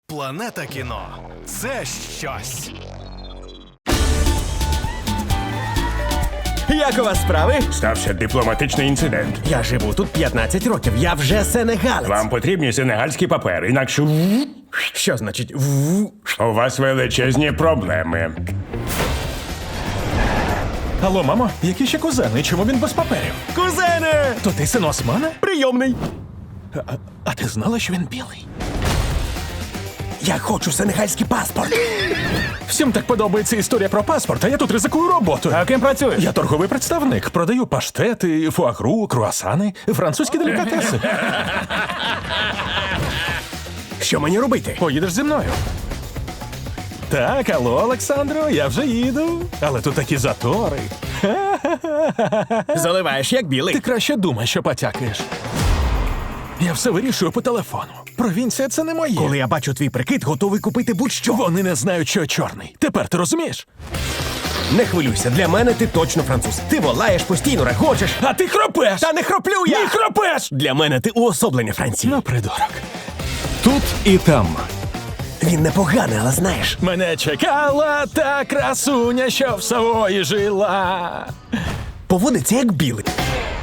Планета кіно – це щось. Як у вас справи? Стався дипломатичний інцидент. Я живу тут 15 років, я вже сенегалець. Вам потрібні сенегальські папери, інакше Що значить у вас величезні проблеми. Алло, мамо, які ще кузени? Чому він без паперів? Кузене! То ти син Османа? Прийомний. А ти знала, що він білий? Я хочу сенегальський паспорт. Всім так подобається історія про паспорт, а я тут ризикую роботу. А ким працюєш? Я торговий представник. Продаю паштети, фуагру, круасани, французькі делікатеси. Що мені робити? Поїдеш зі мною. Так, алло, Олександро, я вже їду. Але тут такі затори. Заливаєш як білий. Ти краще думай, що потякаєш. Я все вирішую по телефону. Провінція — це не моє. Коли я бачу твій прикид, готовий купити будь-що. Вони не знають, що я чорний. Тепер ти розумієш? Не хвилюйся, для мене ти точно француз. Ти волаєш, постійно регочеш. А ти хропеш! Та не хроплю я! Не хропеш! Для мене ти уособлення Франції. Ну, придурок. Тут і там. Він непоганий, але знаєш. Мене чекала та красуня, що в Савої жила. Поводиться як білий.